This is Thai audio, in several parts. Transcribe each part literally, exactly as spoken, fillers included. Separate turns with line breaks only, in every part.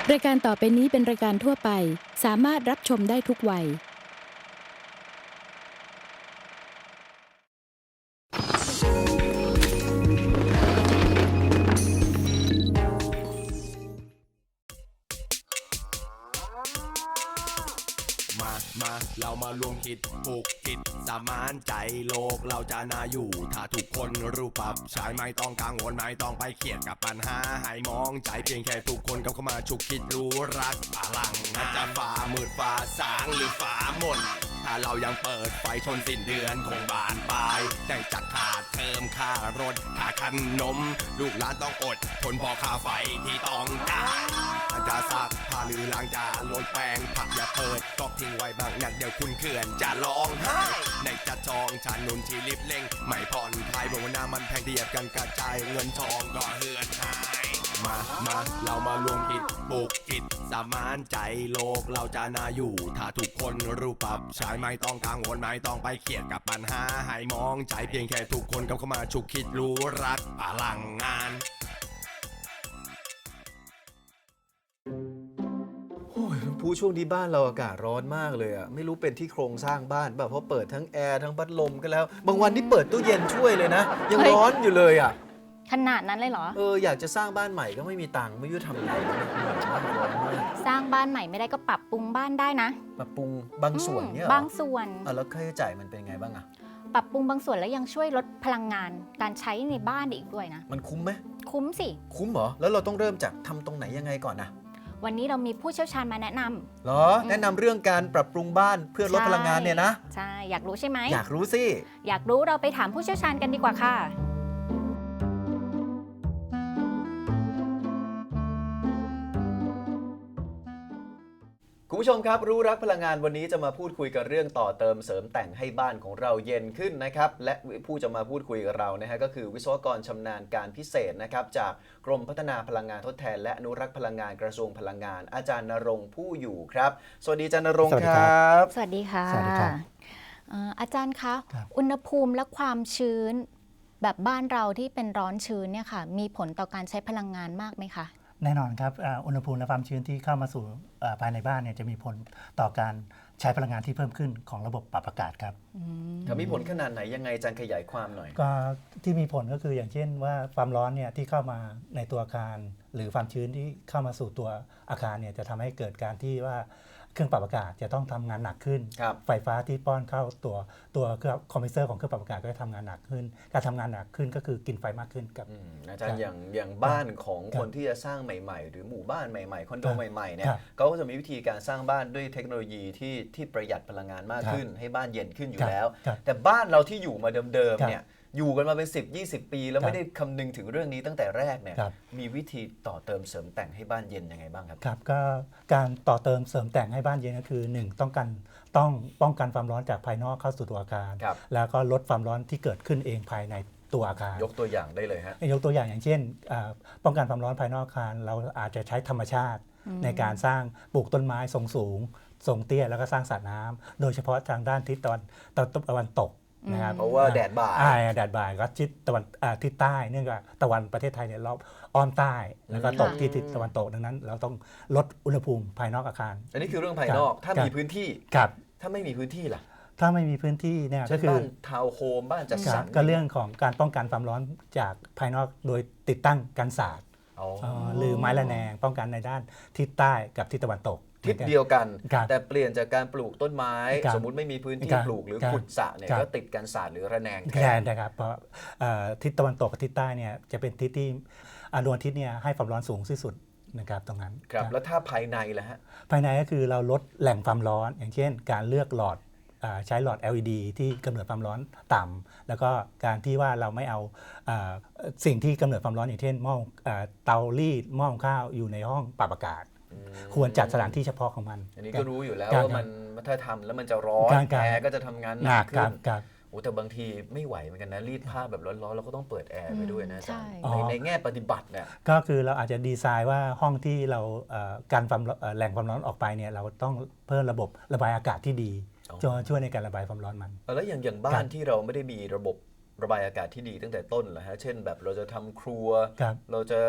รายการต่อไปนี้เป็นรายการทั่วไปสามารถรับชมได้ทุกวัย
มามาเรามารวมคิดผูกจิตสมานใจโลกเราจะน่าอยู่ถ้าทุกคนรู้ปรับใช้ไม่ต้องกังวลไม่ต้องไปเครียดกับปัญหาให้มองใจเพียงแค่ทุกคนเข้ามาฉุกคิดรู้รักพลังอาจจะฝ่ามืดฝ่าสางหรือฝ่ามนถ้าเรายังเปิดไฟชนสิ้นเดือนคงบานปลายได้จักขาดเติมค่ารถค่าขนมลูกหลานต้องอดทนพอค่าไฟที่ต้องจ่ายอาจจะซักผ้าหรือล้างจานลดแปรงผักอย่าเปิดก๊อกทิ้งไว้บางนักเดี๋ยวคุณเขื่อนจะร้องไห้ในจะจองชานุนที่รีบเร่งไม่ผ่อนคลายบนวันหน้ามันแพงเทียบกันกระจายเงินทองก็เหือนหายมามาเรามารวมคิดปลูกจิตสมานใจโลกเราจะน่าอยู่ถ้าทุกคนรู้ปรับใช้ไม่ต้องกังวลไม่ต้องไปเครียดกับปัญหาให้มองใจเพียงแค่ทุกคนเข้ามาฉุกคิดรู้รักพลังงาน
ผู้ช่วงนี้บ้านเราอากาศร้อนมากเลยอ่ะไม่รู้เป็นที่โครงสร้างบ้านแบบเพราะเปิดทั้งแอร์ทั้งพัดลมก็แล้วบางวันที่เปิดตู้เย็นช่วยเลยนะยังร้อนอยู่เลยอ่ะ
ขนาดนั้นเลยเหรอ
เอออยากจะสร้างบ้านใหม่ก็ไม่มีตังค์ไม่รู้ทำไงร้อนมาก
สร้างบ้านใหม่ไม่ได้ก็ปรับปรุงบ้านได้นะ
ปรับปรุงบางส่วนเนี่ย
บางส่วน
อ่ะแล้วค่าใช้จ่ายมันเป็นไงบ้างอ่ะ
ปรับปรุงบางส่วนแล้วยังช่วยลดพลังงานการใช้ในบ้านอีกด้วยนะ
มันคุ้มไหม
คุ้มสิ
คุ้มเหรอแล้วเราต้องเริ่มจากทำตรงไหนยังไงก่อนนะ
วันนี้เรามีผู้เชี่ยวชาญมาแนะน
ำเหรอแนะนำเรื่องการปรับปรุงบ้านเพื่อลดพลังงานเนี่ยนะ
ใช่อยากรู้ใช่ไหม
อยากรู้สิ
อยากรู้เราไปถามผู้เชี่ยวชาญกันดีกว่าค่ะ
คุณผู้ชมครับรู้รักพลังงานวันนี้จะมาพูดคุยกับเรื่องต่อเติมเสริมแต่งให้บ้านของเราเย็นขึ้นนะครับและผู้จะมาพูดคุยกับเรานะฮะก็คือวิศวกรชำนาญการพิเศษนะครับจากกรมพัฒนาพลังงานทดแทนและอนุรักษ์พลังงานกระทรวงพลังงานอาจารย์ณรงค์ผู้อยู่ครับสวัสดีอาจารย์ณรงค์ครับ
สวัสดีค่ะ
สวัสดีครับ
อาจารย์คะอุณหภูมิและความชื้นแบบบ้านเราที่เป็นร้อนชื้นเนี่ยค่ะมีผลต่อการใช้พลังงานมากไหมคะ
แน่นอนครับอุณหภูมิและความชื้นที่เข้ามาสู่ภายในบ้านเนี่ยจะมีผลต่อการใช้พลังงานที่เพิ่มขึ้นของระบบปรับอากาศครับ
ถ้ามีผลขนาดไหนยังไงอาจารย์ขยายความหน่อย
ก็ที่มีผลก็คืออย่างเช่นว่าความร้อนเนี่ยที่เข้ามาในตัวอาคารหรือความชื้นที่เข้ามาสู่ตัวอาคารเนี่ยจะทำให้เกิดการที่ว่าเครื่องปรับอากาศจะต้องทำงานหนักขึ้นไฟฟ้าที่ป้อนเข้าตัวตัวเครื่องคอมเพรสเซอร์ของเครื่องปรับอากาศก็จะทำงานหนักขึ้นการทำงานหนักขึ้นก็คือกินไฟมากขึ้นครับ
อาจารย์อย่างอย่างบ้านของคนที่จะสร้างใหม่ๆหรือหมู่บ้านใหม่ๆคอนโดใหม่ๆเนี่ยเขาก็จะมีวิธีการสร้างบ้านด้วยเทคโนโลยีที่ที่ประหยัดพลังงานมากขึ้นให้บ้านเย็นขึ้นอยู่แล้วแต่บ้านเราที่อยู่มาเดิมๆเนี่ยอยู่กันมาเป็นสิบ ยี่สิบ ปีแล้วไม่ได้คำนึงถึงเรื่องนี้ตั้งแต่แรกเนี่ยมีวิธีต่อเติมเสริมแต่งให้บ้านเย็นยังไงบ้างครับ
ครับก็การต่อเติมเสริมแต่งให้บ้านเย็นก็คือหนึ่งต้องกันต้องป้องกันความร้อนจากภายนอกเข้าสู่ตัวอาคารแล้วก็ลดความร้อนที่เกิดขึ้นเองภายในตัวอาคาร
ยกตัวอย่างได้เลยฮะ
ยกตัวอย่างอย่างเช่นป้องกันความร้อนภายนอกอาคารเราอาจจะใช้ธรรมชาติในการสร้างปลูกต้นไม้ทรงสูงทรงเตี้ยแล้วก็สร้างสระน้ำโดยเฉพาะทางด้านทิศตะวันตะวันตกนะครับ
เพราะว่าแดดบ่าย
แดดบ่ายก็ทิศตะวันทิศใต้เนื่องจากตะวันประเทศไทยเนี่ยรอบอ้อมใต้แล้วก็ตกที่ทิศตะวันตกดังนั้นเราต้องลดอุณหภูมิภายนอกอาคาร
อันนี้คือเรื่องภายนอกถ้ามีพื้นที่ถ้าไม่มีพื้นที่ล่ะ
ถ้าไม่มีพื้นที่เนี่ยก็คือ
บ้านทาวน์โฮมบ้านจัดสรร
ก็เรื่องของการป้องกันความร้อนจากภายนอกโดยติดตั้งกันศาสตร์หรือไม้ระแนงป้องกันในด้านทิศใต้กับทิศตะวันตก
ทิศเดียวกันแต่เปลี่ยนจากการปลูกต้นไม้สมมุติไม่มีพื้นที่ปลูกหรือขุดสระเนี่ยก็ติดกันศาสตร์หรือระแนง
แทนนะครับเพราะทิศตะวันตกกับทิศใต้เนี่ยจะเป็นทิศที่ดวงอาทิตย์เนี่ยให้ความร้อนสูงที่สุดนะครับตรงนั้น
ครับแล้วถ้าภายในล่ะฮะ
ภายในก็คือเราลดแหล่งความร้อนอย่างเช่นการเลือกหลอดใช้หลอด แอล อี ดี ที่กำเนิดความร้อนต่ำแล้วก็การที่ว่าเราไม่เอาสิ่งที่กำเนิดความร้อนอย่างเช่นหม้อเตารีดหม้อข้าวอยู่ในห้องปรับอากาศควรจัดสถานที่เฉพาะของมัน
อันนี้ก็รู้อยู่แล้วว่ามันถ้าทำแล้วมันจะร้อนแอร์ก็จะทำงานหนักขึ้นโอ้แต่บางทีไม่ไหวเหมือนกันนะรีดผ้าแบบร้อนๆเราก็ต้องเปิดแอร์ไปด้วยนะอาจารย์ในแง่ปฏิบัติเนี่ย
ก็คือเราอาจจะดีไซน์ว่าห้องที่เราการความแหล่งความร้อนออกไปเนี่ยเราต้องเพิ่มระบบระบายอากาศที่ดีจะช่วยในการระบายความร้อนมัน
แล้วอย่างอย่างบ้านที่เราไม่ได้มีระบบระบายอากาศที่ดีตั้งแต่ต้นเหรอฮะเช่นแบบเราจะทำครัวเราจะ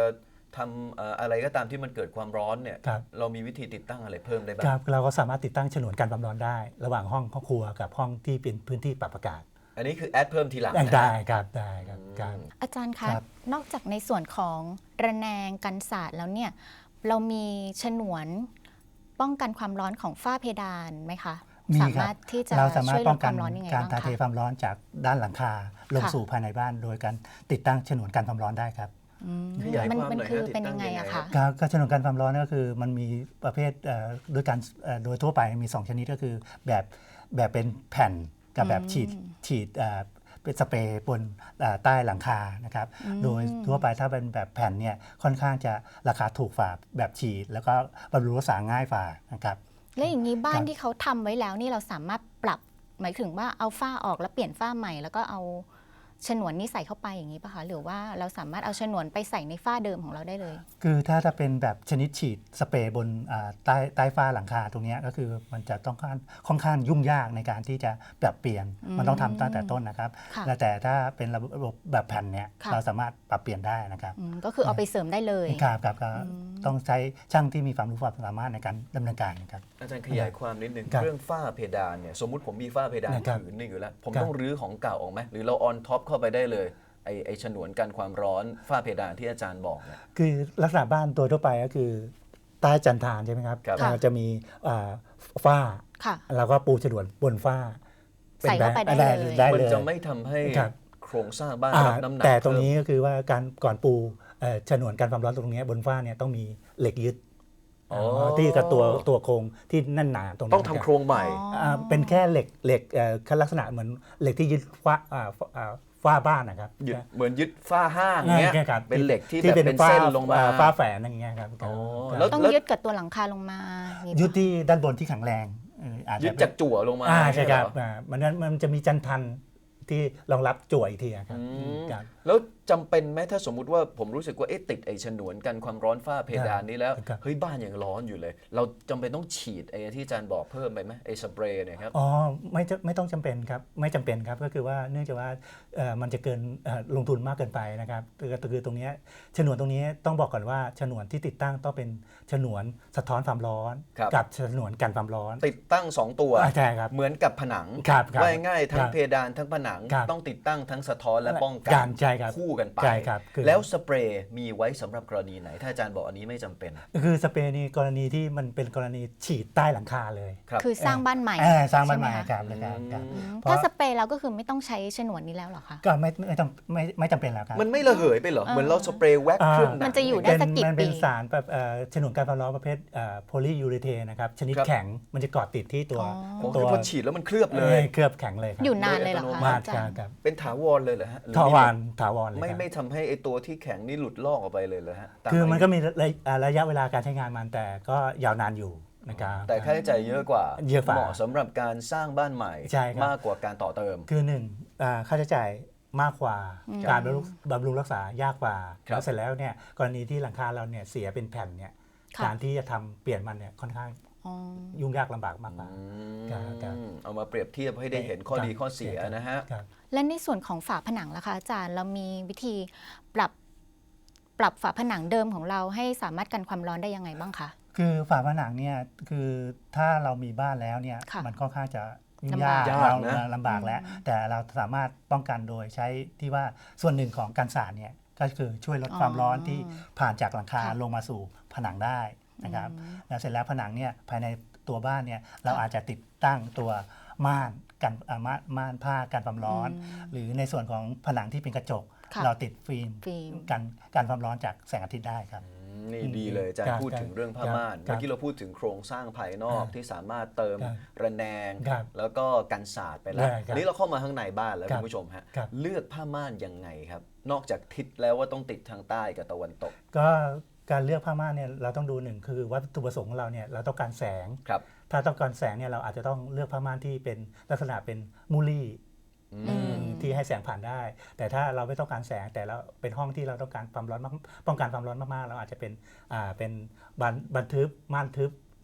ทำเอ่ออะไรก็ตามที่มันเกิดความร้อนเนี่ย
ครับ
เรามีวิธีติดตั้งอะไรเพิ่มได้บ้า
ค
ง
รับเราก็สามารถติดตั้งฉนวนกันความร้อนได้ ระหว่างห้องครัวกับห้องที่เป็นพื้นที่ปรับอากาศ
อันนี้คือแอดเพิ่มทีหลัง
ได้
นะ
ได้ครับได้ครับครับ
อาจารย์คะ
ครับ
นอกจากในส่วนของระแนงกันศาสตร์แล้วเนี่ยเรามีฉนวนป้องกันความร้อนของฝ้าเพดานไหมคะ
มี
สา
ครั
มาร
บ
ถที่จะ
เราสามาร
ช่
ถ
วยล
ป้อ
ด
ง
ค
กัน
วามร้อนยังไง
การ
บ้าง
ถ่ายเท
คะ
ความร้อนจากด้านหลังคาลง
ค่ะ
สู่ภายในบ้าน โดยการติดตั้งฉนวนกันความร้อนได้ครับ
อืม
ขยาย
มัน
ความ
มัน
หน่อย
คือ
ฮะติด
เป็น
ตั้
ยัง งไง
ยังไง
อะ
ฮะ
คะ
การการฉนวนกันความร้อนก็คือมันมีประเภทเอ่อโดยการเอ่อโดยทั่วไปมีสองชนิดก็คือแบบแบบเป็นแผ่นกับแบบฉีดฉีดเอ่อเป็นสเปรย์บนเอ่อใต้หลังคานะครับ
อืม
โดยทั่วไปถ้าเป็นแบบแผ่นเนี่ยค่อนข้างจะราคาถูกฝ่าแบบฉีด แล้วก็บำรุงรักษาง่ายฝ่านะครับ
แล้วอย่างนี้บ้า
คน รับ
ที่เขาทำไว้แล้วนี่เราสามารถปรับหมายถึงว่าเอาฝ้าออกแล้วเปลี่ยนฝ้าใหม่ แล้วก็เอาฉนวนนี้ใส่เข้าไปอย่างนี้ป่ะคะหรือว่าเราสามารถเอาฉนวนไปใส่ในฝ้าเดิมของเราได้เลย
คือถ้าถ้าเป็นแบบชนิดฉีดสเปรย์บนอ่าใต้ใต้ฝ้าหลังคาตรงเนี้ยก็คือมันจะต้องค่อนค่อนข้างยุ่งยากในการที่จะปรับเปลี่ยน
อืม
มันต้องทำตั้งแต่ต้นนะครับ
ค่ะ
และแต่ถ้าเป็นระบบแบบแผ่นเนี่ย
ค่ะ
เราสามารถปรับเปลี่ยนได้นะครับ
อืมก็คือเอาไปเสริมได้เลย
ครับครับก็
อืม
ต้องใช้ช่างที่มีความรู้ความสามารถในการดำเนินการนะครับ
อาจารย์ขยายความนิดนึง
ครับ
เรื่องฝ้าเพดานเนี่ยสมมุติผมมีฝ้าเพดาน
นะครับ
ผืนหนึงอยู่แล้ว ผม
ครับ
ต้องรื้อของเก่าออกไหมหรือเราออนท็อปเข้าไปได้เลยไอไอฉนวนกันความร้อนฝ้าเพดานที่อาจารย์บอกเนี่ย
คือลักษณะบ้านตัวทั่วไปก็คือใต้จันทานใช่ไหมครับ
ครับ
เราจะมีอ่าฝ้า
ค่ะ
แล้วก็ปูฉนวนบนฝ้า
ใส่เข้าไปได้
ได้
เลย
ได้
มัน
เลย
จะไม่ทำให้
ครับ
โครงสร้างบ้าน
อ่า
รับน้ำหนัก
แต่ตรง
เพิ่ม
นี้ก็คือว่าการก่อนปูเอ่อฉนวนกันความร้อนตรงนี้บนฝ้าเนี่ยต้องมีเหล็กยึด
อ๋อ
ที่กับตัวตัวโครงที่แน่นหนาตรงนี้
ต้องทำโครงใหม่
อ่าเป็นแค่เหล็กเหล็กเอ่อลักษณะเหมือนเหล็กที่ยึดฝ้าอ่าอ่าฝ้าบ้านนะครับ
ยึดเหมือนยึดฝ้าห้างเงี้ย
ใช่ครับ
เป็นเหล็กที่แบบเป็น
ฝ้า
เส้นลงมา
อ่ฝ้าแฝนอย่างเงี้ยครับ
อ๋อ
ครับ
แล้ว
ต้องยึดกับตัวหลังคาลงมาอย่างนี้ปะ
ยึดที่ด้านบนที่แข็งแรงเอ่ออาจจะ
ยึดจากจั่วลงมา
อ่าใช่ครับ
เหอ
อ่ามันนั้นมันจะมีจันทันที่รองรับจั่วอีกทีอะครับ
อืม
ครับ
แล้วจำเป็นไหมถ้าสมมุติว่าผมรู้สึกว่าเอ๊ะติดไอ้ฉนวนกันความร้อนฝ้าเพดานนี้แล้ว
ครับ
เฮ้ยบ้านยังร้อนอยู่เลย เราจำเป็นต้องฉีดไอ้ที่อาจารย์บอกเพิ่มไปไหมไอ้สเปรย์เนี่ยครับ
อ๋อไม่จะไม่ต้องจำเป็นครับไม่จำเป็นครับก็คือว่าเนื่องจากว่าเอ่อมันจะเกินเอ่อลงทุนมากเกินไปนะครับคือคือตรงเนี้ยฉนวนตรงนี้ต้องบอกก่อนว่าฉนวนที่ติดตั้งต้องเป็นฉนวนสะท้อนความร้อน
ครับ
กับฉนวนกันความร้อน
ติดตั้งสองตัว
อ่าใช่ครับ
เหมือนกับผนัง
ครับครับ
ว่าง่ายๆทั้
ค
ง
รับ
เพดานทั้งผนัง
ครับ
ต้องติดตั้งทั้งสะท้อนและป้องกั
กาน รใช่ครับ
คู่กันไป
ใช่ครับคือ
แล้วสเปรย์มีไว้สำหรับกรณีไหน ถ้าอาจารย์บอกอันนี้ไม่จำเป็น
คือสเปรย์นี่กรณีที่มันเป็นกรณีฉีดใต้หลังคาเลย
ครับ
คือสร้างบ้านใหม่
เออสร้างบ้านใหม่
ช่ไคะ
ครับนะครับครับ
อืม
เพราะ
ถ้าสเปรย์แล้วก็คือไม่ต้องใช้ฉนวนนี้แล้วเหรอคะ
ก็ไม่ไม่ต้องไม่ไม่จำเป็นแล้วครับ
มันไม่ระเหยไปเหรอ เหมือนเราสเปรย์แว็กซ์
อ่า
เครื่องหนัง
มันจะอยู่ได้
เป็น
สักกี่
มันเป็น
ปี
สารแบบเอ่อฉนวนการความร้อนประเภทโพลียูริเทนนะครับชนิด
ครับ
แข็งมันจะเกาะติดที่ตัว
อ๋อ
อ๋อ
ตั
คือ
ว
พอฉีดแล้วมันเคลือบเลย
เอ่อเคลือบแข็งเลยครับ
อยู่นานเลยเหรอคะ
มาก
อาจา
ครั
ร
บ
ย์
ครับ
เป็นถาวรเลยเหรอฮะหรือ
ถาวร
มี
ถาวรเลย
ไม่
ครับ
ไม่ทำให้ไอตัวที่แข็งนี่หลุดลอกออกไปเลยเหรอฮะตา
คือมัน
ายุ
ก็มีระอ่าระยะเวลาการใช้งานมันแต่ก็ยาวนานอยู่นะครับ
แต่ค่าใช้จ่ายเยอะกว่า
เยอะกว่า
เหมาะสำหรับการสร้างบ้านใหม่
ใช่ครับ
มากกว่าการต่อเติม
คือหนึ่งอ่าค่าใช้จ่ายมากกว่า
อืม
การบำรุงบำรุงรักษายากกว่า
ครับ
แล้วเสร็จแล้วเนี่ยกรณีที่หลังคาเราเนี่ยเสียเป็นแผ่นเนี่ย
ค่ะ
การที่จะทำเปลี่ยนมันเนี่ยค่อนข้าง
อ๋อ
ยุ่งยากลำบากมากกว่า
อืม
ครับครับ
เอามาเปรียบเทียบให้ได้เห็นข้อดีข้อเสียนะฮะ
ครับ
และในส่วนของฝาผนังล่ะคะอาจารย์เรามีวิธีปรับปรับฝาผนังเดิมของเราให้สามารถกันความร้อนได้ยังไงบ้างคะ
คือฝาผนังเนี่ยคือถ้าเรามีบ้านแล้วเนี่ย
ค่ะ
มันค่อนข้างจะยุ่ง
ลำบาก
ยาก
ยาก
เรา
นะ
ลำบากแล้ว
อืม
แต่เราสามารถป้องกันโดยใช้ที่ว่าส่วนหนึ่งของกันศาสตร์เนี่ยก็คือช่วยลดความร้อนที่ผ่านจากหลังคา
ค่ะ
ลงมาสู่ผนังได้นะครับ
อืม
แล้วเสร็จแล้วผนังเนี่ยภายในตัวบ้านเนี่ยเราอาจจะติดตั้งตัวม่านกันอ่าม่านม่านผ้ากันความร้อน
อืม
หรือในส่วนของผนังที่เป็นกระจก
ค่ะ
เราติดฟิล์ม
ฟิล์ม
กันกันความร้อนจากแสงอาทิตย์ได้ครับ
อืมนี่ดีเลยอาจาร
ครั
ย์
บ
พูดถึงเรื่องผ้าม่าน
ครับ
เมื่อกี้เราพูดถึงโครงสร้างภายนอก
ครับ
ที่สามารถเติม
ครับ
ระแนง
ครับ
แล้วก็กันศาสตร์ไปแล้ว
ได้ครับ
อันนี้เราเข้ามาข้างในบ้านแล้ว
ครั
คุ
บ
ณผู้ชมฮะ
ครับ
เลือกผ้าม่านยังไงครับ นอกจากทิศแล้วว่าต้องติดทางใต้กับตะวันตก
ก็การเลือกผ้าม่านเนี่ยเราต้องดูหนึ่งคือวัตถุประสงค์ของเราเนี่ยเราต้องการแสง
ครับ
ถ้าต้องการแสงเนี่ยเราอาจจะต้องเลือกผ้าม่านที่เป็นลักษณะเป็นมูลี่
อืม
ที่ให้แสงผ่านได้ แต่ถ้าเราไม่ต้องการแสงแต่เราเป็นห้องที่เราต้องการความร้อนมากป้องกันความร้อนมากๆเราอาจจะเป็นอ่าเป็นบานบานทึบม่านทึบ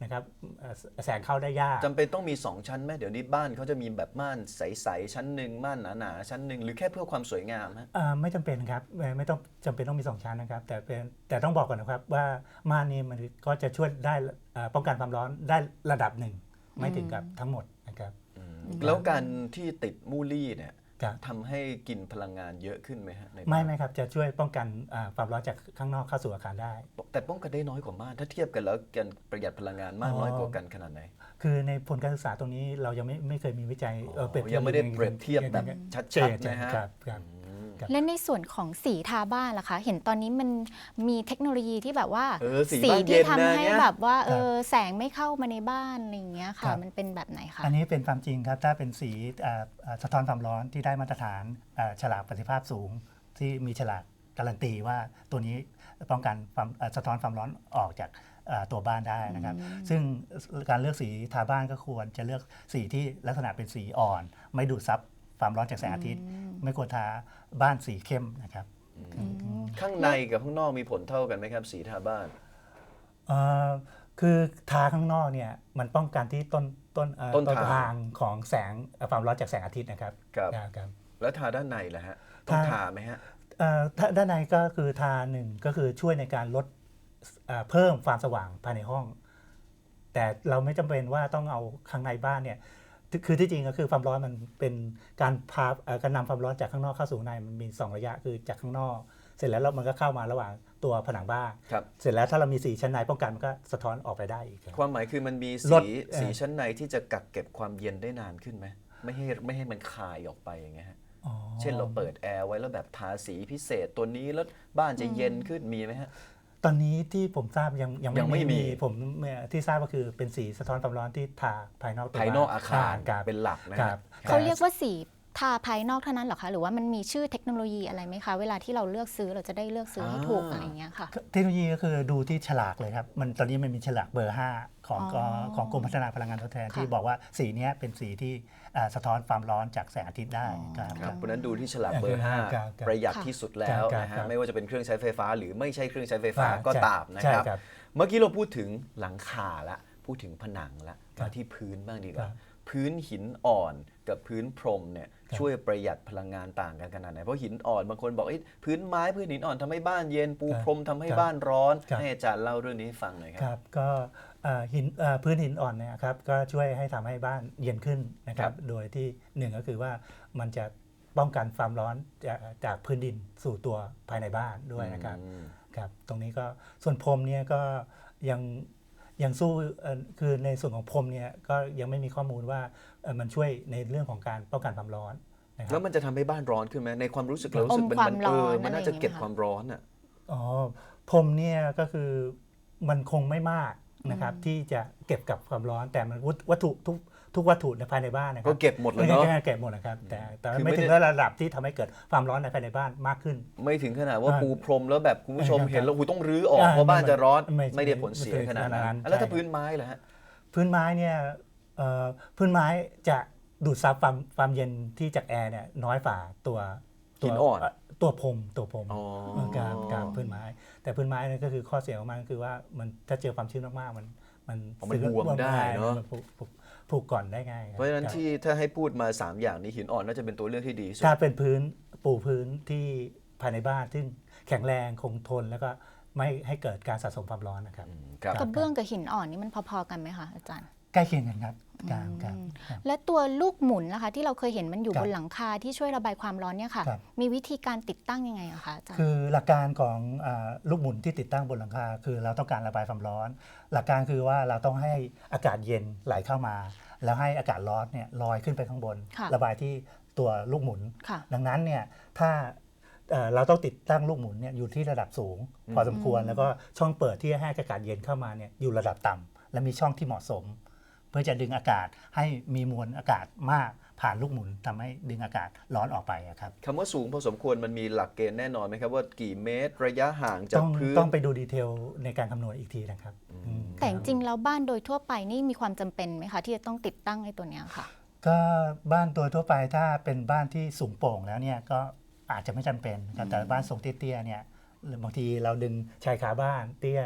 นะครับเอ่อแสงเข้าได้ยาก
จำเป็นต้องมีสองชั้นไหมเดี๋ยวนี้บ้านเขาจะมีแบบม่านใสๆชั้นหนึ่งม่านหนาๆชั้นหนึ่งหรือแค่เพื่อความสวยงามฮะ
อ่าไม่จำเป็นครับไม่ไม่ต้องจำเป็นต้องมีสองชั้นนะครับแต่เป็นแต่ต้องบอกก่อนนะครับว่าม่านนี้มันก็จะช่วยได้อ่าป้องกันความร้อนได้ระดับหนึ่งไม่ถึงกับทั้งหมดนะครับ
แล้วการที่ติดมูลี่เนี่ย
ครับ
ทำให้กินพลังงานเยอะขึ้นไหมฮะในบ้าน
ไม่ไม่ครับจะช่วยป้องกันอ่าความร้อนจากข้างนอกเข้าสู่อาคารได้
แต่ป้องกันได้น้อยกว่าม่านถ้าเทียบกันแล้วการประหยัดพลังงานม่าน
อ๋อ
น้อยกว่ากันขนาดไหน
คือในผลการศึกษาตรงนี้เรายังไม่ไม่เคยมีวิจัยเอ่อเปรียบเทียบ
ยังไม่ได้เปรียบเทียบแบบชัดๆนะฮะ
ครับครับ
และในส่วนของสีทาบ้านล่ะคะ เห็นตอนนี้มันมีเทคโนโลยีที่แบบว่า
เออสีบ้านเย็
ที่
นนะ
ทำให้
เนี่ย
แบบว่าเออแสงไม่เข้ามาในบ้านอะไรอย่างเงี้ย
ครั
ค่ะ
บ
มันเป็นแบบไหนคะ
อันนี้เป็นความจริงครับถ้าเป็นสีอ่าอ่าสะท้อนความร้อนที่ได้มาตรฐานอ่าฉลากประสิทธิภาพสูง ที่มีฉลากการันตีว่าตัวนี้ป้องกันความอ่าสะท้อนความร้อนออกจากอ่าตัวบ้านได้นะครับ ซึ่งการเลือกสีทาบ้านก็ควรจะเลือกสีที่ลักษณะเป็นสีอ่อน ไม่ดูดซับความร้อนจากแสงอาทิตย์ ไม่ควรทาบ้านสีเข้มนะครับ
ข้างในกับข้างนอกมีผลเท่ากันไหมครับสีทาบ้าน
เอ่อคือทาข้างนอกเนี่ยมันป้องกันที่ต้นต้นเอ่อ
ต้นทาง
ทางของแสงเอ่อความร้อนจากแสงอาทิตย์นะครับ
ครับ
ครับ
แล้วทาด้านในล่ะฮะต้อง
ทา
ทาไหมฮะ
เอ่อถ้าด้านในก็คือทาหนึ่งก็คือช่วยในการลดเอ่อเพิ่มความสว่างภายในห้อง แต่เราไม่จำเป็นว่าต้องเอาข้างในบ้านเนี่ยคือคือที่จริงก็คือความร้อนมันเป็นการพาเอ่อการนำความร้อนจากข้างนอกเข้าสู่ข้างในมันมีสองระยะคือจากข้างนอก เสร็จแล้วมันก็เข้ามาระหว่างตัวผนังบ้าน
ครับ
เสร็จแล้วถ้าเรามีสีชั้นในป้องกันมันก็สะท้อนออกไปได้อีกครับ
ความหมายคือมันมี
ล
สี
ดเอ่อ
สีชั้นในที่จะกักเก็บความเย็นได้นานขึ้นไหมไม่ให้ไม่ให้มันคายออกไปอย่างเงี้ยฮะ
อ๋อ
เช่นเราเปิดแอร์ไว้แล้วแบบทาสีพิเศษตัวนี้แล้วบ้านจะเย็นขึ้นมีไหมฮะ
ตอนนี้ที่ผมทราบยังยัง
ยังไม่มี
ผมเอ่อที่ทราบก็คือเป็นสีสะท้อนความร้อนที่ทาภายนอกตัว
ภายนอกอาคาร
ครับ
เป็นหลักนะ
ค
ค
รั
รั
บบ
เขาเรียกว่าสีทาภายนอกเท่านั้นเหรอคะ หรือว่ามันมีชื่อเทคโนโลยีอะไรไหมคะ เวลาที่เราเลือกซื้อเราจะได้เลือกซื้อให้ถูก
อ่า
อะไรอย่างเงี้ยค่ะ
เทคโนโลยีก็คือดูที่ฉลากเลยครับมันตอนนี้มันมีฉลากเบอร์ห้าของ
อ๋อ
ของกรมพัฒนาพลังงานทดแทน
ค่ะ
ที่บอกว่าสีเนี้ยเป็นสีที่อ่าสะท้อนความร้อนจากแสงอาทิตย์ได้ครับ
ครับเพราะฉะนั้นดูที่ฉลากเบอร์
ครับ
ห้า
ครับครับ
ประหยัดที่สุดแล้ว
ครับ
นะ
ครั
ฮะ
บ
ไม่ว่าจะเป็นเครื่องใช้ไฟฟ้า หรือไม่ใช่เครื่องใช้ไฟฟ้า
อ่า
ก็
ใช่
ตามนะ
ใช่
ครับ
ครับ
เมื่อกี้เราพูดถึงหลังคาละพูดถึงผนังละ
ครับ
มาที่พื้นบ้างดีก
ครั
ว่า
บ
พื้นหินอ่อนกับพื้นพรมเนี่ย
ครับ
ช่วยประหยัดพลังงานต่างกันขนาดไหนเพราะหินอ่อนบางคนบอกเอ้ยพื้นไม้พื้นหินอ่อนทำให้บ้านเย็นปู
ครับ
พรมทำให้
ครับ
บ้านร้อน
ครับ
ให้อาจารย์เล่าเรื่องนี้ให้ฟังหน่อยค
ครับ รับก็เอ่อหินเอ่อพื้นหินอ่อนเนี่ยครับก็ช่วยให้ทำให้บ้านเย็นขึ้นนะครั
ครับ บ
โดยที่หนึ่งก็คือว่ามันจะป้องกันความร้อนจากจากพื้นดินสู่ตัวภายในบ้านด้วยนะครับ
อืม
ครับตรงนี้ก็ส่วนพรมเนี่ยก็ยังยังสู้เอ่อคือในส่วนของพรมเนี่ยก็ยังไม่มีข้อมูลว่าเอ่อมันช่วยในเรื่องของการป้องกันความร้อนนะค
แล้
รับ
วมันจะทำให้บ้านร้อนขึ้นไหมในความรู้สึกเรารู้สึกมัน
อมความ
มัน
ร้
เอ
อน
อมันน่า
อะไรอย่างเงี้ย
จะเก็บ
ไหมคะ
ความร้อนอ่ะ
อ๋อพรมเนี่ยก็คือมันคงไม่มากนะครับที่จะเก็บกับความร้อนแต่มันวัตวัตถุทุกทุกวัตถุในภายในบ้านนะครั
ก็เก็บหมดเลยเนาะ
เก็บหมดนะครับแต่แต่
คือไม่
ไม่
ได้
ถึงระดับที่ทำให้เกิดความร้อนในภายในบ้านมากขึ้น
ไม่ถึงขนาดว่า
อ่า
ปูพรมแล้วแบบคุณผู้ชม
ครับ
เห็นแล้วหูต้องรื้อออก
อ่า
เพราะบ้านจะร้อน
ไม่
ไม่ได้ผลเสีย
ไม่ถึง
ขนาด
ขนาดนั้
นั้น
น
แล้วถ้า
ใช่
พื้นไม้ล่ะฮะ
พื้นไม้เนี่ยเอ่อพื้นไม้จะดูดซับความความเย็นที่จากแอร์เนี่ยน้อยฝ่าตัวตัว
หินอ่อน
เตัวพรมตัวพรม
อ๋อ
เออการการพื้นไม้ แต่พื้นไม้เนี่ยก็คือข้อเสียของมันก็คือว่ามันถ้าเจอความชื้นมากๆมันมัน
อ๋อมันบวมได้เนอะ
มัผูกผูกผูกก่อนได้ง่ายคบ
เพราะฉะนั้น
ครับ
ที่ถ้าให้พูดมา สาม อย่างนี้หินอ่อนน่าจะเป็นตัวเลือกที่ดีที่สุด
ถ้าเป็นพื้นปูพื้นที่ภายในบ้านซึ่งแข็งแรงคงทนแล้วก็ไม่ให้เกิดการสะสมความร้อนนะครับ
อืมครับ
กระเบื้องกับหินอ่อนนี่มันพอๆกันไหมคะอาจารย์
ใกล้เคียงกันครับครับครับครับ
และตัวลูกหมุนล่ะคะที่เราเคยเห็นมันอยู่
ครับ
บนหลังคาที่ช่วยระบายความร้อนเนี่ยค่ะ
ครับ
มีวิธีการติดตั้งยังไงอะคะอาจารย์
คือหลักการของอาลูกหมุนที่ติดตั้งบนหลังคาคือเราต้องการระบายความร้อน หลักการคือว่าเราต้องให้อากาศเย็นไหลเข้ามา แล้วให้อากาศร้อนเนี่ยลอยขึ้นไปข้างบน
ค่ะ
ระบายที่ตัวลูกหมุน
ค่ะ
ดังนั้นเนี่ยถ้าเอ่อเราต้องติดตั้งลูกหมุนเนี่ยอยู่ที่ระดับสูง พอสมควรแล้วก็ช่องเปิดที่ให้อากาศเย็นเข้ามาเนี่ยอยู่ระดับต่ำและมีช่องที่เหมาะสม เพื่อจะดึงอากาศให้มีมวลอากาศมากผ่านลูกหมุนทำให้ดึงอากาศร้อนออกไปอะครับ
คำว่าสูงพอสมควรมันมีหลักเกณฑ์แน่นอนไหมครับว่ากี่เมตรระยะห่างจา
ต้
ก
อง
พื้น
ต้องไปดูดีเทลในการคำนวณอีกทีนะครับอืม
แต่จริงๆแล้วบ้านโดยทั่วไปนี่มีความจำเป็นไหมคะที่จะต้องติดตั้งไอ้ตัวเนี้ยค่ะ
ก็บ้านโดยทั่วไปถ้าเป็นบ้านที่สูงโปร่งแล้วเนี่ยก็อาจจะไม่จำเป็นนะครับแต่บ้านทรงเตี้ยๆเนี่ยหรือบางทีเราดึงชายคาบ้านเตี้ย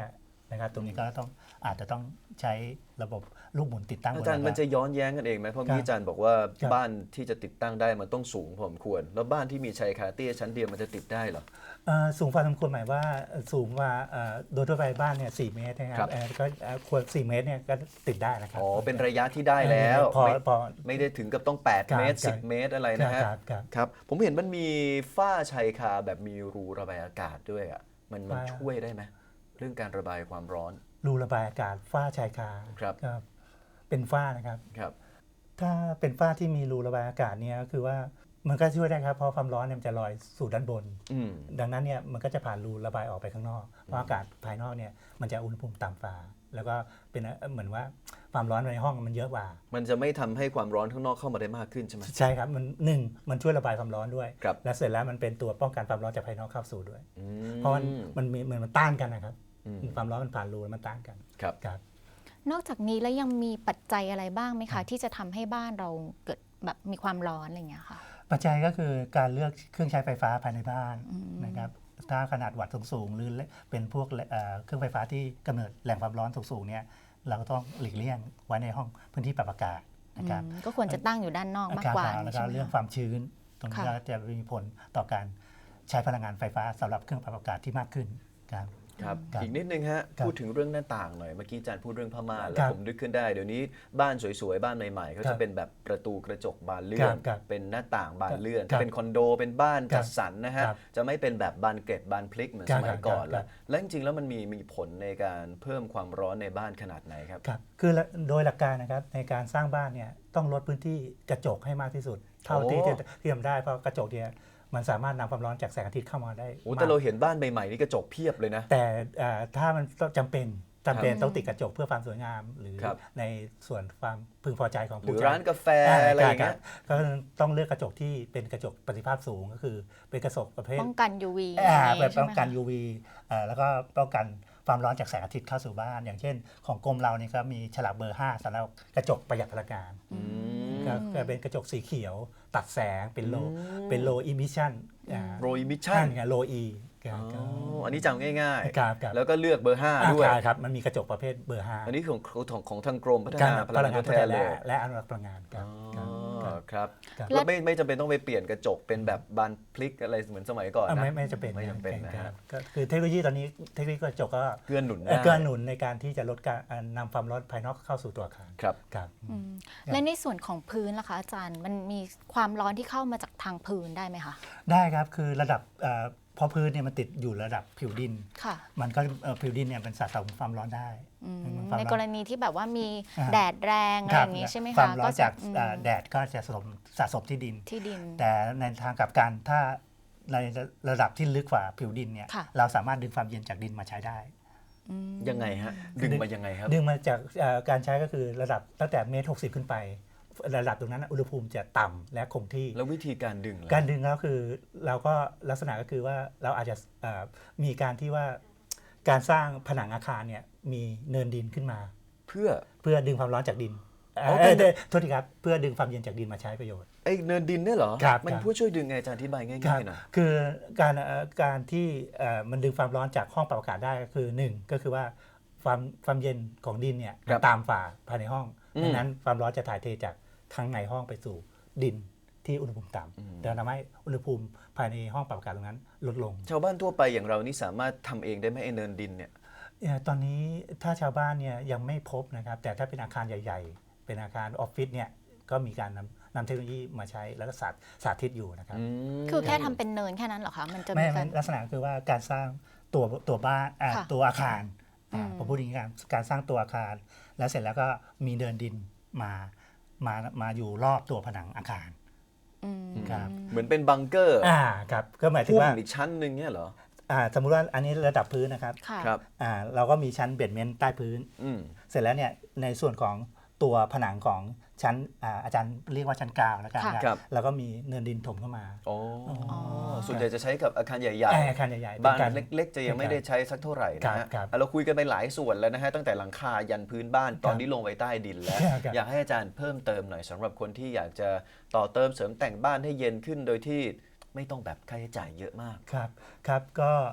นะครับตรงนี้ก็ต้องอาจจะต้องใช้ระบบลูกหมุนติดตั้งบน
อาจารย์มันจะย้อนแย้งกันเองไหมเพราะเมื่อกี้อาจารย์บอกว่า
ครับ
บ้านที่จะติดตั้งได้มันต้องสูงพอสมควร แล้วบ้านที่มีชายคาเตี้ยชั้นเดียวมันจะติดได้เหรอ
เอ่อสูงพอสมควรหมายว่าเอ่อสูงกว่าเอ่อโดยทั่วไปบ้านเนี่ยสี่เมตรนะค
ครั
รับบ เอ่อก็เอ่อควรสี่เมตรเนี่ยก็ติดได้นะครับ
อ๋อเป็นระยะที่ได้แล้ว
พอ
ไม่
พอ
ไม่ได้ถึงกับต้องแปด
ครับ
เมตร
ครั
สิ
บ
บเมตรอะไรนะฮะ
ครับครับ
ครับผมเห็นมันมีฝ้าชายคาแบบมีรูระบายอากาศด้วยอ่ะมันมัน
ฝ้า
ช่วยได้ไหมเรื่องการระบายความร้อน
รูระบายอากาศฝ้าชายคา
ครับ
ครับเป็นฝ้านะครับ
ครับ
ถ้าเป็นฝ้าที่มีรูระบายอากาศเนี่ยก็คือว่ามันก็ช่วยได้ครับเพราะความร้อนเนี่ยมันจะลอยสู่ด้านบน
อืม
ดังนั้นเนี่ยมันก็จะผ่านรูระบายออกไปข้างนอกเพราะอากาศภายนอกเนี่ยมันจะอุณหภูมิต่ำฝ่าแล้วก็เป็นเอ่อเหมือนว่าความร้อนในห้องมันเยอะกว่า
มันจะไม่ทำให้ความร้อนข้างนอกเข้ามาได้มากขึ้นใช่ไหม
ใช่ครับมันหนึ่งมันช่วยระบายความร้อนด้วย
ครับ
และเสร็จแล้วมันเป็นตัวป้องกันความร้อนจากภายนอกเข้าสู่ด้วย
อื
เพราะมันมันมีเหมือนมันต้านกันนะครับ
อืม
ความร้อนมันผ่านรูแล้วมันต้านกัน
ครับ
ครับ
นอกจากนี้แล้วยังมีปัจจัยอะไรบ้างไหมคะ ที่จะทำให้บ้านเราเกิดแบบมีความร้อนอะไรอย่างเงี้ยค่ะ
ปัจจัยก็คือการเลือกเครื่องใช้ไฟฟ้าภายในบ้าน
อืม
นะครับถ้าขนาดวัตต์สูงๆหรือเป็นพวกเอ่อเครื่องไฟฟ้าที่กำเนิดแหล่งความร้อนสูงๆเนี่ยเราก็ต้องหลีกเลี่ยงไว้ในห้องพื้นที่ปรับอากาศนะครับ
อืมก็ควรจะตั้งอยู่ด้านนอกมากกว่า
ครับแล้วก็
ใช่ไหม
เรื่องค
คะ
วามชื้น ตรงนี้
ค่ะ
ก็จะมีผลต่อการใช้พลังงานไฟฟ้าสำหรับเครื่องปรับอากาศที่มากขึ้นครับ
ครับ
ครับ
อีกนิดนึงฮะ
ครับ
พูดถึงเรื่องหน้าต่างหน่อยเมื่อกี้อาจารย์พูดเรื่องผ้าม่านแล้ว
ครับ
ผมนึกขึ้นได้เดี๋ยวนี้บ้านสวยๆบ้านใหม่ๆเขา
ครั
จะ
บ
เป็นแบบประตูกระจกบานเลื่
ค
อ
รั
น
บครับ
เป็นหน้าต่างบานเลื่อน
ครับ
ถ้าเป็นคอนโดเป็นบ้าน
ครั
จั
บ
ดสรรนะฮะ
ครับ
จะไม่เป็นแบบบานเกล็ดบานพลิกเหมือน
ครั
ส
บ
มัยก่อน
ครั
แล้ว
บ
และจริงๆแล้วมันมีมีผลในการเพิ่มความร้อนในบ้านขนาดไหนครับ
ครับคือละโดยหลักการนะครับในการสร้างบ้านเนี่ยต้องลดพื้นที่กระจกให้มากที่สุด เท่าที่
โอ้
จะที่ทำได้เพราะกระจกเนี่ยมันสามารถนำความร้อนจากแสงอาทิตย์เข้ามาได้
โอ้
มาก
แต่เราเห็นบ้านใหม่ๆนี่กระจกเพียบเลยนะ
แต่เอ่อถ้ามันจำเป็นจำเป็น
ครับ
ต้องติดกระจกเพื่อความสวยงาม หรือ
ครับ
ในส่วนความพึงพอใจของ
หรื
ผู้
อ
ใช้
ร้านกาแฟอะไรอย่างเงี้ย
ก็ต้องเลือกกระจกที่เป็นกระจกประสิทธิภาพสูงก็คือเป็นกระจกประเภท
ป้องกัน ยู วี
อ่า
อะไร
แบบ
ใช่
ป้
ไห
อ
ม
งกัน
คะ
ยู วี อ่าแล้วก็ป้องกันความร้อนจากแสงอาทิตย์เข้าสู่บ้าน อย่างเช่น ของกรมเรานี่ก็มีฉลากเบอร์ห้าสำหรับกระจกประหยัดพลังงาน
อืม
ก็ก็เป็นกระจกสีเขียว ตัดแสงเป็นโล
อืม
เป็นโลอิมิชัน
Low emission
ไงโลอี
อ๋ออันนี้จำง่าย
ครับครับ
ๆ แล้วก็เลือกเบอร์ห้า
อ่า
ด้วย
ครับ มันมีกระจกประเภทเบอร์ห้า
อันนี้ของของของทางกรมพัฒ
การ
นาพ
พ
ลั
ลั
ง
ง
งาง
าน น
ท
ท
ด
ด
แท
แท
น
น
เล
และ
ย
และอนุรักษ์พลังงานครับ
อ๋อ
ครับ
ครับ
ครับ
แล้วไม่ไม่จำเป็นต้องไปเปลี่ยนกระจกเป็นแบบบานพลิกอะไรเหมือนสมัยก่อน
อ่ะ
นะ
ไม่ไม่จะเป็น
ไม่จำเป็นนะ
ค
ฮะ
รับก็คือเทคโนโลยีตอนนี้เทคโนโลยีกระจกก็
เกื้อหนุน
เอ่อ
ได้
เกื้อหนุนในการที่จะลดการอ่านำความร้อนภายนอกเข้าสู่ตัวอาคาร
ครับ
ครับ
อืมและในส่วนของพื้นล่ะคะอาจารย์ มันมีความร้อนที่เข้ามาจากทางพื้นได้ไหมคะ
ได้ครับคือระดับเอ่อเพราะพื้นเนี่ยมันติดอยู่ระดับผิวดิน
ค่ะ
มันก็เอ่อผิวดินเนี่ยเป็นสะสมความร้อนได้
อืม
มันความ
ใน
ร้อน
กรณีที่แบบว่ามี
อ่า
แดดแรงอะไรอย่างงี้ใช่ไหม
ควา
คะ
มร้อน
จะ
จาก
อืม
เอ่อแดดก็จะสะสมสะสมที่ดิน
ที่ดิน
แต่ในทางกลับกันถ้าในระดับที่ลึกกว่าผิวดินเนี่ย
ค่ะ
เราสามารถดึงความเย็นจากดินมาใช้ได้
อืม
ยังไงฮะ ดึงมายังไงครับ
ดึงมาจากเอ่อการใช้ก็คือระดับตั้งแต่เมตรหกสิบขึ้นไป ระดับตรงนั้นนะอุณหภูมิจะต่ำและคงที่
แล้ววิธีการดึงล่ะ
การดึงแล้วคือเราก็ลักษณะก็คือว่าเราอาจจะเอ่อมีการที่ว่าการสร้างผนังอาคารเนี่ยมีเนินดินขึ้นมา
เพื่อ
เพื่อดึงความร้อนจากดิน
อ๋อ
เอ่อ
เป็น
เอ่อโทษทีครับเพื่อดึงความเย็นจากดินมาใช้ประโยชน์
ไอ้เนินดินเนี่ยเหรอ
ครับ
มัน
ครับ
ผู้ช่วยดึงไงอาจารย์อธิบาย
ครั
ง่า
บ
ยๆหน่อย
คือการเอ่อการที่เอ่อมันดึงความร้อนจากห้องปรับอากาศได้ก็คือหนึ่งก็คือว่าความความเย็นของดินเนี่ย
ครับ
ตามฝ่าภายในห้อง
อืม
ดังนั้นความร้อนจะถ่ายเทจากข้างในห้องไปสู่ดินที่อุณหภูมิต่
อืม
ำแต่ทำให้อุณหภูมิภายในห้องปรับอากาศตรงนั้นลดลง
ชาวบ้านทั่วไปอย่างเรานี่สามารถทำเองได้ไหมไอ้เนินดินเนี่ย
เอ่อตอนนี้ถ้าชาวบ้านเนี่ยยังไม่พบนะครับแต่ถ้าเป็นอาคารใหญ่ ๆ เป็นอาคารออฟฟิศเนี่ยก็มีการนำนำเทคโนโลยีมาใช้แล้วก็สาธิตสาธิตอยู่นะครับ
ม
คือแค่ทำเป็นเนินแค่นั้นเหรอคะ มันจะ
ไม่
มี
ไม่
การ
ลักษณะคือว่าการสร้างตัวตัวบ้านอ่า
ค่ะ
ตัวอาคารอ่า
อืม
ผมพูดอย่างนี้ครับการสร้างตัวอาคาร แล้วเสร็จแล้วก็มีเดินดินมามามาอยู่รอบตัวผนังอาคาร
อืม
ครับ
เหมือนเป็นบังเกอร์
อ่าครับก็หมายถึง
พุ่ม
ว่า
อีกชั้นหนึ่งเนี่ยเหรอ
อ่าสมมุติว่าอันนี้ระดับพื้นนะครับ
ค่ะ
ครับ
อ่าเราก็มีชั้นเบดเมนต์ใต้พื้น
อืม
เสร็จแล้วเนี่ยในส่วนของตัวผนังของชั้นอ่าอาจารย์เรียกว่าชั้นกลางแล้วกัน
ค่ะ
นะครับ แล้วก็มีเนินดินถมเข้ามา
โอ้
อ๋อ
ส่วนใหญ่จะใช้กับอาคารใหญ่
อ่าอาคารใหญ่ๆ
ๆ บ้าน
ป็กร
เล็ก ๆ จะยังไม่ได้ใช้สักเท่าไหร่นะฮะ
ครับ
อ่ะเราคุยกันไปหลายส่วนแล้วนะฮะตั้งแต่หลังคายันพื้นบ้านตอนนี้ลงไปใต้ดินแล้ว
ครับ
อยากให้อาจารย์เพิ่มเติมหน่อยสำหรับคนที่อยากจะต่อเติมเสริมแต่งบ้านให้เย็นขึ้นโดยที่ไม่ต้องแบบค่าใช้จ่ายเยอะมาก
ครับครับก็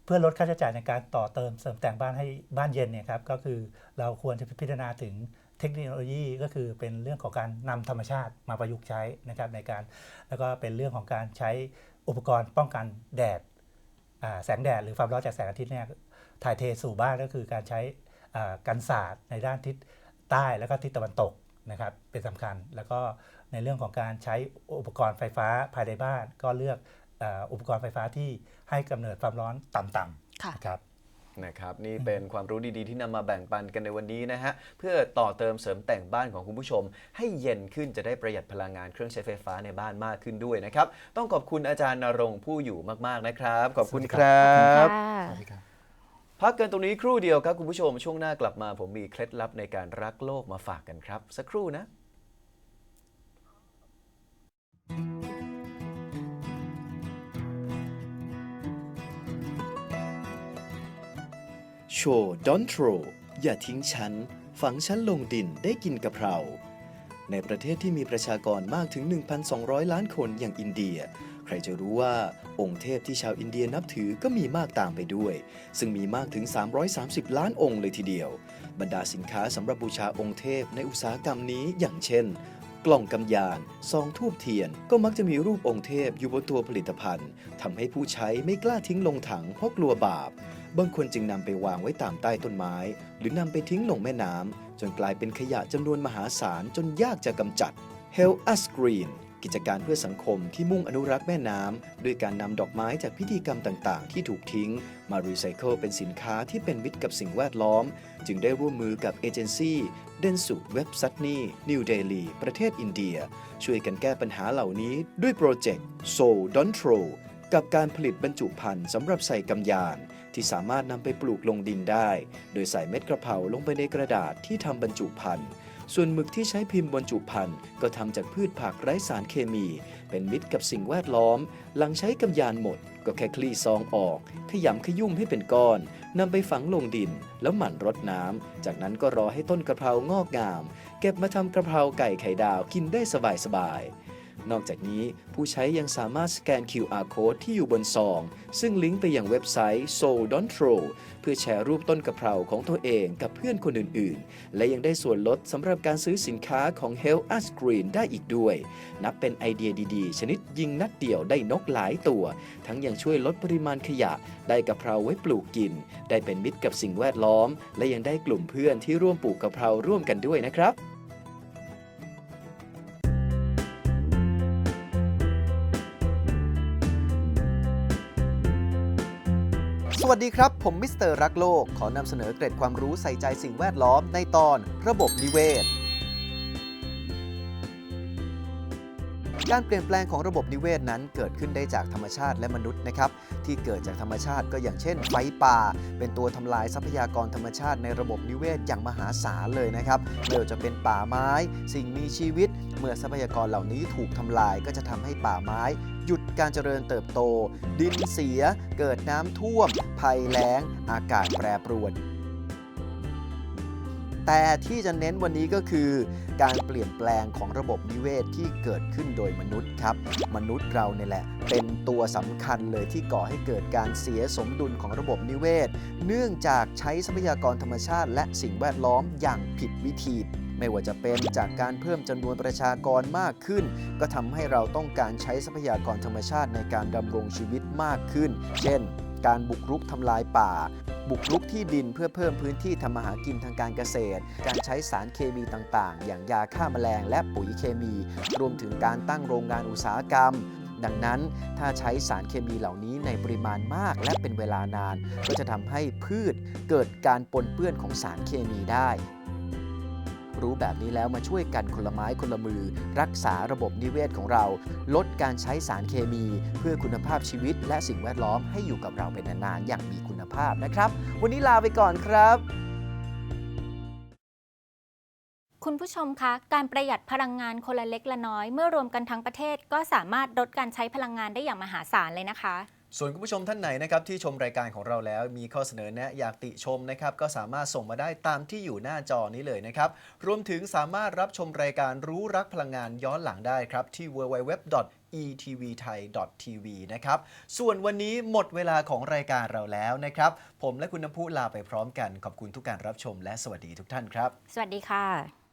เพื่อลดค่าใช้จ่ายในการต่อเติมเสริมแต่งบ้านให้บ้านเย็นเนี่ยครับก็คือเราควรจะพิจารณาถึงเทคโนโลยีก็คือเป็นเรื่องของการนำธรรมชาติมาประยุกต์ใช้นะครับในการแล้วก็เป็นเรื่องของการใช้อุปกรณ์ป้องกันแดดแสงแดดหรือความร้อนจากแสงอาทิตย์เนี่ยถ่ายเทสู่บ้านก็คือการใช้กันศาสตร์ในด้านทิศใต้แล้วก็ทิศตะวันตกนะครับเป็นสำคัญแล้วก็ในเรื่องของการใช้อุปกรณ์ไฟฟ้าภายในบ้านก็เลือกอุปกรณ์ไฟฟ้าที่ให้กำเนิดความร้อนต่ำๆนะครับ
นะครับนี่เป็นความรู้ดีๆที่นำมาแบ่งปันกันในวันนี้นะฮะเพื่อต่อเติมเสริมแต่งบ้านของคุณผู้ชมให้เย็นขึ้นจะได้ประหยัดพลังงานเครื่องใช้ไฟฟ้าในบ้านมากขึ้นด้วยนะครับต้องขอบคุณอาจารย์ณรงค์ผู้อยู่มากๆนะครับขอบคุณครับพักกันตรงนี้ครู่เดียวครับคุณผู้ชมช่วงหน้ากลับมาผมมีเคล็ดลับในการรักโลกมาฝากกันครับสักครู่นะ
โชว์ดอนโทรอย่าทิ้งฉันฝังฉันลงดินได้กินกะเพราในประเทศที่มีประชากรมากถึง หนึ่งพันสองร้อย ล้านคนอย่างอินเดียใครจะรู้ว่าองค์เทพที่ชาวอินเดียนับถือก็มีมากตามไปด้วยซึ่งมีมากถึงสามร้อยสามสิบล้านองค์เลยทีเดียวบรรดาสินค้าสำหรับบูชาองค์เทพในอุตสาหกรรมนี้อย่างเช่นกล่องกำยานซองธูปเทียนก็มักจะมีรูปองค์เทพอยู่บนตัวผลิตภัณฑ์ทำให้ผู้ใช้ไม่กล้าทิ้งลงถังเพราะกลัวบาปบางคนจึงนำไปวางไว้ตามใต้ต้นไม้หรือนำไปทิ้งลงแม่น้ำจนกลายเป็นขยะจำนวนมหาศาลจนยากจะกำจัด Help Us Green กิจการเพื่อสังคมที่มุ่งอนุรักษ์แม่น้ำด้วยการนำดอกไม้จากพิธีกรรมต่างๆที่ถูกทิ้งมารีไซเคิลเป็นสินค้าที่เป็นมิตรกับสิ่งแวดล้อมจึงได้ร่วมมือกับเอเจนซี่เดนสุเว็บซัตนีนิวเดลีประเทศอินเดียช่วยกันแก้ปัญหาเหล่านี้ด้วยโปรเจกต์ Soul Don't Throw กับการผลิตบรรจุภัณฑ์สำหรับใส่กำยานที่สามารถนำไปปลูกลงดินได้โดยใส่เม็ดกระเพราลงไปในกระดาษที่ทำบรรจุภัณฑ์ส่วนหมึกที่ใช้พิมพ์บรรจุภัณฑ์ก็ทำจากพืชผักไร้สารเคมีเป็นมิตรกับสิ่งแวดล้อมหลังใช้กำยานหมดก็แค่คลี่ซองออกขยำขยุ่มให้เป็นก้อนนำไปฝังลงดินแล้วหมั่นรดน้ำจากนั้นก็รอให้ต้นกระเพรางอกงามเก็บมาทำกระเพราไก่ไข่ดาวกินได้สบายๆนอกจากนี้ผู้ใช้ยังสามารถสแกน คิว อาร์ Code ที่อยู่บนซองซึ่งลิงก์ไปยังเว็บไซต์ Soul Don't Throw เพื่อแชร์รูปต้นกะเพราของตัวเองกับเพื่อนคนอื่นๆและยังได้ส่วนลดสำหรับการซื้อสินค้าของ Help Us Green ได้อีกด้วยนับเป็นไอเดียดีๆชนิดยิงนัดเดียวได้นกหลายตัวทั้งยังช่วยลดปริมาณขยะได้กะเพราไว้ปลูกกินได้เป็นมิตรกับสิ่งแวดล้อมและยังได้กลุ่มเพื่อนที่ร่วมปลูกกะเพราร่วมกันด้วยนะครับสวัสดีครับผมมิสเตอร์รักโลกขอนำเสนอเกร็ดความรู้ใส่ใจสิ่งแวดล้อมในตอนระบบนิเวศการเปลี่ยนแปลงของระบบนิเวศนั้นเกิดขึ้นได้จากธรรมชาติและมนุษย์นะครับที่เกิดจากธรรมชาติก็อย่างเช่นไฟป่าเป็นตัวทำลายทรัพยากรธรรมชาติในระบบนิเวศอย่างมหาศาลเลยนะครับไม่ว่าจะเป็นป่าไม้สิ่งมีชีวิตเมื่อทรัพยากรเหล่านี้ถูกทำลายก็จะทำให้ป่าไม้หยุดการเจริญเติบโตดินเสียเกิดน้ำท่วมภัยแล้งอากาศแปรปรวนแต่ที่จะเน้นวันนี้ก็คือการเปลี่ยนแปลงของระบบนิเวศที่เกิดขึ้นโดยมนุษย์ครับมนุษย์เราเนี่ยแหละเป็นตัวสำคัญเลยที่ก่อให้เกิดการเสียสมดุลของระบบนิเวศเนื่องจากใช้ทรัพยากรธรรมชาติและสิ่งแวดล้อมอย่างผิดวิธีไม่ว่าจะเป็นจากการเพิ่มจำนวนประชากรมากขึ้นก็ทำให้เราต้องการใช้ทรัพยากรธรรมชาติในการดำรงชีวิตมากขึ้นเช่นการบุกรุกทำลายป่าบุกรุกที่ดินเพื่อเพิ่มพื้นที่ทำมาหากินทางการเกษตรการใช้สารเคมีต่างๆอย่างยาฆ่าแมลงและปุ๋ยเคมีรวมถึงการตั้งโรงงานอุตสาหกรรมดังนั้นถ้าใช้สารเคมีเหล่านี้ในปริมาณมากและเป็นเวลานานก็จะทำให้พืชเกิดการปนเปื้อนของสารเคมีได้รู้แบบนี้แล้วมาช่วยกันคนละไม้คนละมือรักษาระบบนิเวศของเราลดการใช้สารเคมีเพื่อคุณภาพชีวิตและสิ่งแวดล้อมให้อยู่กับเราเป็นนานๆอย่างมีคุณภาพนะครับวันนี้ลาไปก่อนครับ
คุณผู้ชมคะการประหยัดพลังงานคนละเล็กละน้อยเมื่อรวมกันทั้งประเทศก็สามารถลดการใช้พลังงานได้อย่างมหาศาลเลยนะคะ
ส่วนคุณผู้ชมท่านไหนนะครับที่ชมรายการของเราแล้วมีข้อเสนอแนะอยากติชมนะครับก็สามารถส่งมาได้ตามที่อยู่หน้าจอนี้เลยนะครับรวมถึงสามารถรับชมรายการรู้รักพลังงานย้อนหลังได้ครับที่ ดับเบิลยู ดับเบิลยู ดับเบิลยู ดอท อี ที วี ไทย ดอท ที วี นะครับส่วนวันนี้หมดเวลาของรายการเราแล้วนะครับผมและคุณน้ำพุลาไปพร้อมกันขอบคุณทุกการรับชมและสวัสดีทุกท่านครับ
สวัสดีค่ะ